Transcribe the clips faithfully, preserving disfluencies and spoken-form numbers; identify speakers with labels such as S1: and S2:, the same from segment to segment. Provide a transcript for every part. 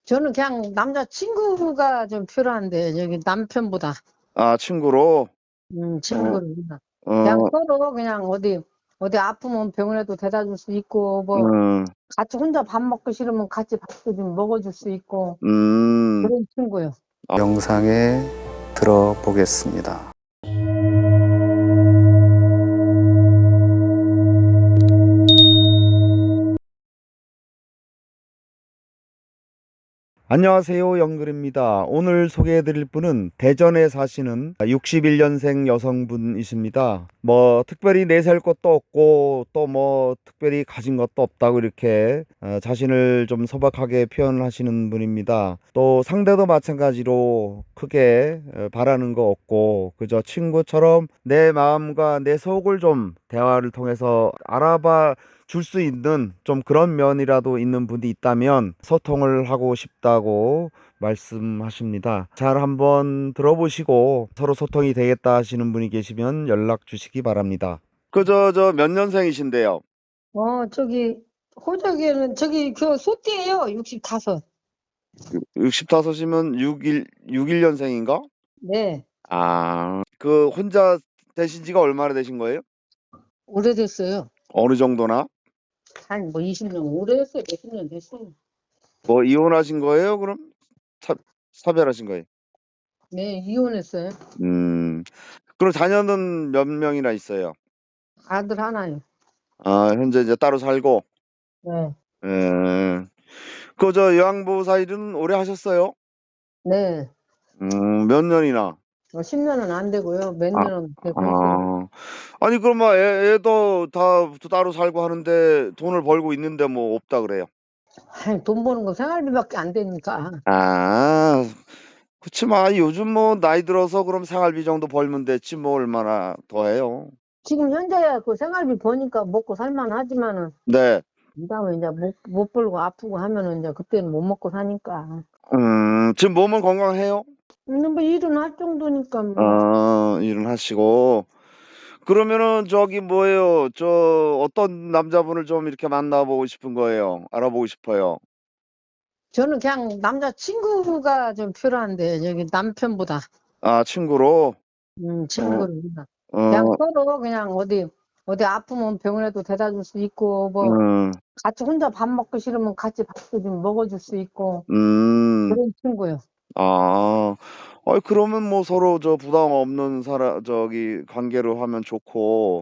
S1: 저는 그냥 남자 친구가 좀 필요한데, 여기 남편보다.
S2: 아, 친구로?
S1: 음,
S2: 어,
S1: 친구를. 그냥
S2: 어,
S1: 서로 그냥 어디, 어디 아프면 병원에도 데려다 줄 수 있고, 뭐,
S2: 음,
S1: 같이 혼자 밥 먹기 싫으면 같이 밥도 좀 먹어줄 수 있고,
S2: 음.
S1: 그런 친구요.
S3: 영상에 들어보겠습니다. 안녕하세요, 영글입니다. 오늘 소개해드릴 분은 대전에 사시는 육십일 년생 여성분이십니다. 뭐 특별히 내세울 것도 없고 또 뭐 특별히 가진 것도 없다고 이렇게 어, 자신을 좀 소박하게 표현하시는 분입니다. 또 상대도 마찬가지로 크게 어, 바라는 거 없고 그저 친구처럼 내 마음과 내 속을 좀 대화를 통해서 알아봐 줄 수 있는 좀 그런 면이라도 있는 분이 있다면 소통을 하고 싶다고 말씀하십니다. 잘 한번 들어보시고 서로 소통이 되겠다 하시는 분이 계시면 연락 주시기 바랍니다.
S2: 그, 저, 저, 몇 년생이신데요?
S1: 어, 저기, 호적에는, 저기, 그, 소띠예요 육십오.
S2: 육십오이면 육일, 육일 년생인가?
S1: 네,
S2: 아, 그, 혼자 되신 지가 얼마나 되신 거예요?
S1: 오래됐어요.
S2: 어느 정도나?
S1: 한, 뭐, 이십 년, 오래됐어요. 몇십 년 됐어요.
S2: 뭐, 이혼하신 거예요, 그럼? 사, 사별하신 거예요?
S1: 네, 이혼했어요.
S2: 음, 그럼 자녀는 몇 명이나 있어요?
S1: 아들 하나요.
S2: 아, 현재 이제 따로 살고,
S1: 네,
S2: 예. 그, 저, 요양보호사 일은 오래 하셨어요?
S1: 네.
S2: 음, 몇 년이나?
S1: 뭐 십 년은 안 되고요. 몇
S2: 아,
S1: 년은 되고 했어요.
S2: 아. 아니, 그러면 애, 애도 다 따로 살고 하는데 돈을 벌고 있는데 뭐 없다 그래요?
S1: 아이, 돈 버는 거 생활비밖에 안 되니까.
S2: 아, 그치만 요즘 뭐 나이 들어서 그럼 생활비 정도 벌면 됐지 뭐 얼마나 더 해요.
S1: 지금 현재야 그 생활비 버니까 먹고 살만 하지만은,
S2: 네.
S1: 그다음에 이제 못, 못 벌고 아프고 하면은 이제 그때는 못 먹고 사니까.
S2: 음, 지금 몸은 건강해요?
S1: 근데 뭐 일은 할 정도니까 뭐.
S2: 어, 일은 하시고. 그러면은 저기 뭐예요? 저 어떤 남자분을 좀 이렇게 만나보고 싶은 거예요? 알아보고 싶어요.
S1: 저는 그냥 남자 친구가 좀 필요한데, 여기 남편보다.
S2: 아, 친구로?
S1: 음,
S2: 어,
S1: 친구를. 그냥
S2: 어,
S1: 서로 그냥 어디, 어디 아프면 병원에도 데려다 줄 수 있고, 뭐,
S2: 음,
S1: 같이 혼자 밥 먹기 싫으면 같이 밥도 좀 먹어줄 수 있고,
S2: 음.
S1: 그런 친구요.
S2: 아. 아이 그러면 뭐 서로 저 부담 없는 사람 저기 관계로 하면 좋고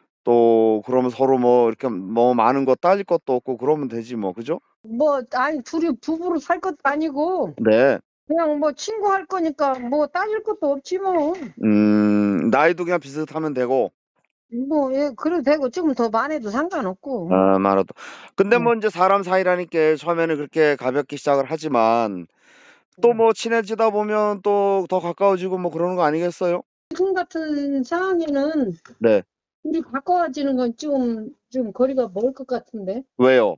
S2: 또 그러면 서로 뭐 이렇게 뭐 많은 거 따질 것도 없고 그러면 되지 뭐. 그죠?
S1: 뭐, 아니, 둘이 부부로 살 것도 아니고,
S2: 네.
S1: 그냥 뭐 친구 할 거니까 뭐 따질 것도 없지 뭐.
S2: 음. 나이도 그냥 비슷하면 되고.
S1: 뭐, 예, 그래도 되고, 조금 더 많아도 상관없고.
S2: 아 많아도. 근데
S1: 네.
S2: 뭐 인제 사람 사이라니까 처음에는 그렇게 가볍게 시작을 하지만 또 뭐 친해지다 보면 또 더 가까워지고 뭐 그러는 거 아니겠어요?
S1: 지금 같은 상황에는
S2: 네.
S1: 둘이 가까워지는 건 좀, 좀 거리가 멀 것 같은데.
S2: 왜요?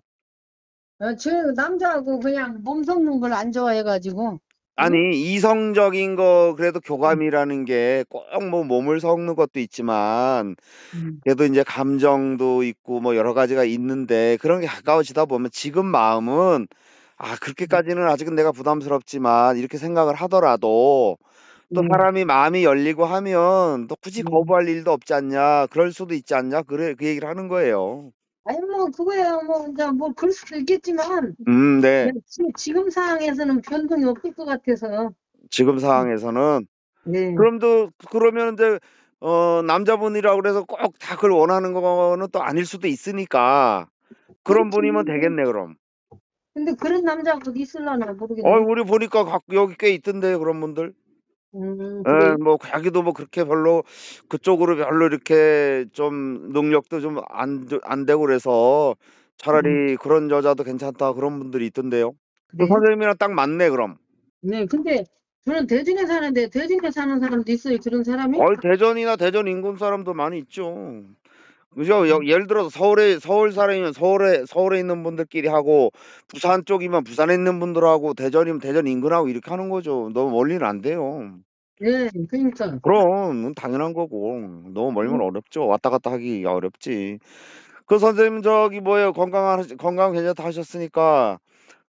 S1: 아, 저 남자하고 그냥 몸 섞는 걸 안 좋아해가지고. 응?
S2: 아니 이성적인 거 그래도
S1: 응.
S2: 교감이라는 게 꼭 뭐 몸을 섞는 것도 있지만
S1: 응.
S2: 그래도 인제 감정도 있고 뭐 여러 가지가 있는데 그런 게 가까워지다 보면 지금 마음은 '아 그렇게까지는 아직은 내가 부담스럽지만.' 이렇게 생각을 하더라도 또
S1: 응.
S2: 사람이 마음이 열리고 하면 또 '굳이
S1: 응.
S2: 거부할 일도 없지 않냐. 그럴 수도 있지 않냐.' 그래 그 얘기를 하는 거예요.
S1: 아니, 뭐, 그거야, 뭐, 이제 뭐, 그럴 수도 있겠지만,
S2: 음 네.
S1: 그냥 지, 지금 상황에서는 변동이 없을 것 같아서.
S2: 지금 상황에서는.
S1: 네.
S2: 그럼 또 그러면 인제 어 남자분이라고 그래서 꼭 다 그걸 원하는 거는 또 아닐 수도 있으니까 그런
S1: 그렇지.
S2: 분이면 되겠네 그럼.
S1: 근데 그런 남자가 있을라나
S2: 어이
S1: 모르겠네.
S2: 우리 보니까 각 여기 꽤 있던데 그런 분들.
S1: 음, 그래요?
S2: 예 뭐 자기도 뭐 그렇게 별로 그쪽으로 별로 이렇게 좀 능력도 좀 안 안 되고 그래서
S1: 음,
S2: 차라리 그런 여자도 괜찮다 그런 분들이 있던데요. 그
S1: 그래요?
S2: 선생님이랑 딱 맞네 그럼.
S1: 네, 근데 저는 대전에 사는데 대전에 사는 사람도 있어요, 그런 사람이?
S2: 어이 대전이나 대전 인근 사람도 많이 있죠. 그죠? 여
S1: 음,
S2: 예를 들어서 서울에 서울 사람이면 서울에 서울에 있는 분들끼리 하고 부산 쪽이면 부산에 있는 분들하고 대전이면 대전 인근하고 이렇게 하는 거죠. 너무 멀리는 안 돼요.
S1: 네, 그러니까.
S2: 그럼 그건 당연한 거고. 너무 멀면
S1: 음,
S2: 어렵죠. 왔다 갔다 하기가 어렵지. 그 선생님 저기 뭐예요? 건강하 건강 괜찮다 하셨으니까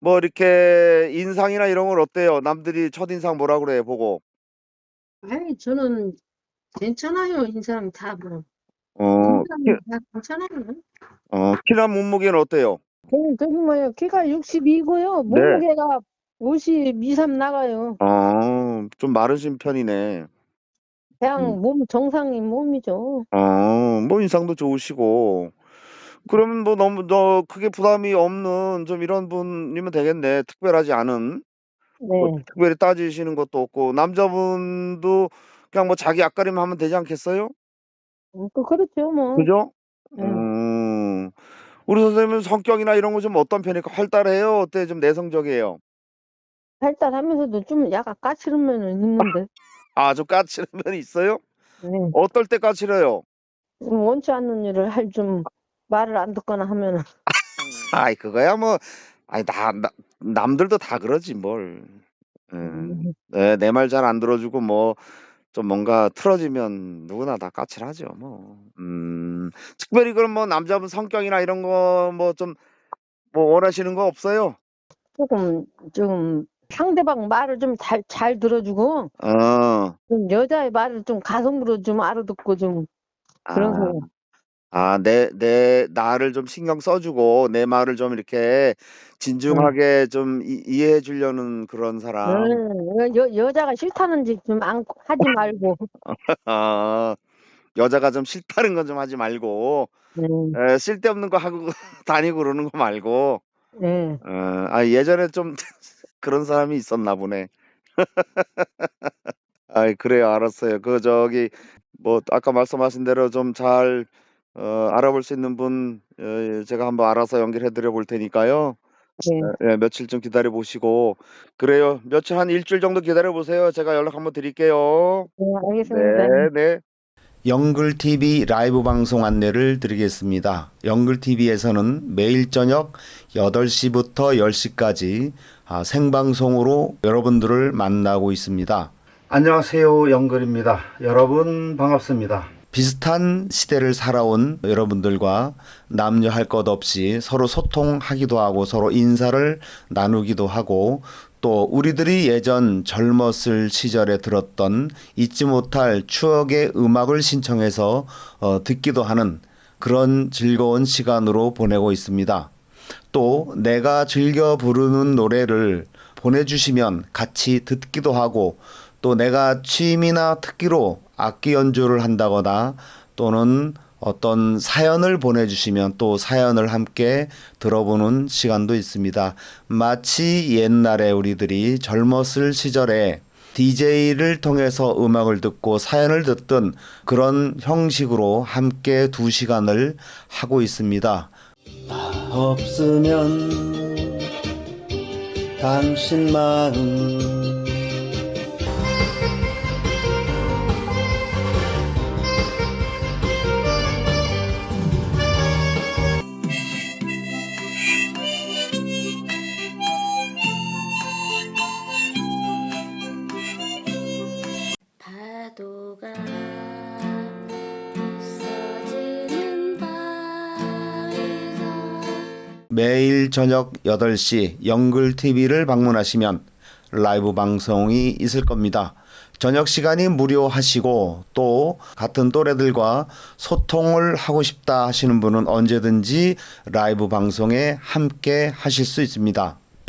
S2: 뭐 이렇게 인상이나 이런 건 어때요? 남들이 첫인상 뭐라 그래 보고.
S1: 아이, 저는 괜찮아요. 인상 다 뭐.
S2: 어, 키,
S1: 인상은 다 괜찮아요.
S2: 어, 키나 몸무게는 어때요?
S1: 저는 저기 뭐예요. 키가 육십이고요.
S2: 네.
S1: 몸무게가 오십이, 삼 나가요.
S2: 어, 좀 마르신 편이네. 음.
S1: 그냥 몸 정상인 몸이죠.
S2: 어, 뭐 인상도 좋으시고. 그러면 뭐 너무 너 크게 부담이 없는 좀 이런 분이면 되겠네. 특별하지 않은. 뭐
S1: 네.
S2: 특별히 따지시는 것도 없고 남자분도 그냥 뭐 자기 앞가림 하면 되지 않겠어요?
S1: 음, 그 그렇죠 뭐.
S2: 그죠?
S1: 네.
S2: 음. 우리 선생님은 성격이나 이런 거 좀 어떤 편일까? 활달해요? 어때? 좀 내성적이에요?
S1: 발달하면서도 좀 약간 까칠한 면은 있는데.
S2: 아, 좀 까칠한 면이 있어요?
S1: 네.
S2: 어떨 때 까칠해요?
S1: 좀 원치 않는 일을 할 좀 말을 안 듣거나 하면은.
S2: 아이, 그거야 뭐, 아이, 나, 나 남들도 다 그러지 뭘. 음.
S1: 음,
S2: 네, 내 말 잘 안 들어주고 뭐 좀 뭔가 틀어지면 누구나 다 까칠하죠, 뭐. 음. 특별히 그럼 뭐 남자분 성격이나 이런 거 뭐 좀 뭐 원하시는 거 없어요?
S1: 조금 좀 상대방 말을 좀 잘 잘 들어주고
S2: 어.
S1: 좀 여자의 말을 좀 가성으로 좀 알아듣고 좀 그런
S2: 아.
S1: 사람.
S2: 아, 내 내 나를 좀 신경 써 주고 내 말을 좀 이렇게
S1: 네.
S2: 진중하게 좀 이 이해해 주려는 그런 사람.
S1: 네. 여 여자가 싫다는 짓 좀 안 하지 말고.
S2: 아. 여자가 좀 싫다는 건 좀 하지 말고
S1: 네.
S2: 에, 쓸데없는 거 하고 다니고 그러는 거 말고.
S1: 네.
S2: 어, 아 예전에 좀 그런 사람이 있었나 보네. 아이, 그래요. 알았어요. 그 저기 뭐 아까 말씀하신 대로 좀 잘 어 알아볼 수 있는 분 어 제가 한번 알아서 연결해 드려 볼 테니까요.
S1: 네.
S2: 예, 예, 며칠 좀 기다려 보시고. 그래요. 며칠 한 일주일 정도 기다려 보세요. 제가 연락 한번 드릴게요.
S1: 네,
S2: 네,
S1: 알겠습니다.
S2: 네.
S3: 영글티비 라이브 방송 안내를 드리겠습니다. 영글티비에서는 매일 저녁 여덟 시부터 열 시까지 아, 생방송으로 여러분들을 만나고 있습니다. 안녕하세요. 영글입니다. 여러분 반갑습니다. 비슷한 시대를 살아온 여러분들과 남녀 할 것 없이 서로 소통하기도 하고 서로 인사를 나누기도 하고 또 우리들이 예전 젊었을 시절에 들었던 잊지 못할 추억의 음악을 신청해서 어, 듣기도 하는 그런 즐거운 시간으로 보내고 있습니다. 또 내가 즐겨 부르는 노래를 보내주시면 같이 듣기도 하고 또 내가 취미나 특기로 악기 연주를 한다거나 또는 어떤 사연을 보내주시면 또 사연을 함께 들어보는 시간도 있습니다. 마치 옛날에 우리들이 젊었을 시절에 디제이를 통해서 음악을 듣고 사연을 듣던 그런 형식으로 함께 두 시간을 하고 있습니다. 없으면 당신 마음
S4: 파도가 부서지는 바위가
S3: 매일 저녁 여덟 시 영글티비를 방문하시면 라이브 방송이 있을 겁니다. 저녁 시간이 무료하시고 또 같은 또래들과 소통을 하고 싶다 하시는 분은 언제든지 라이브 방송에 함께 하실 수 있습니다.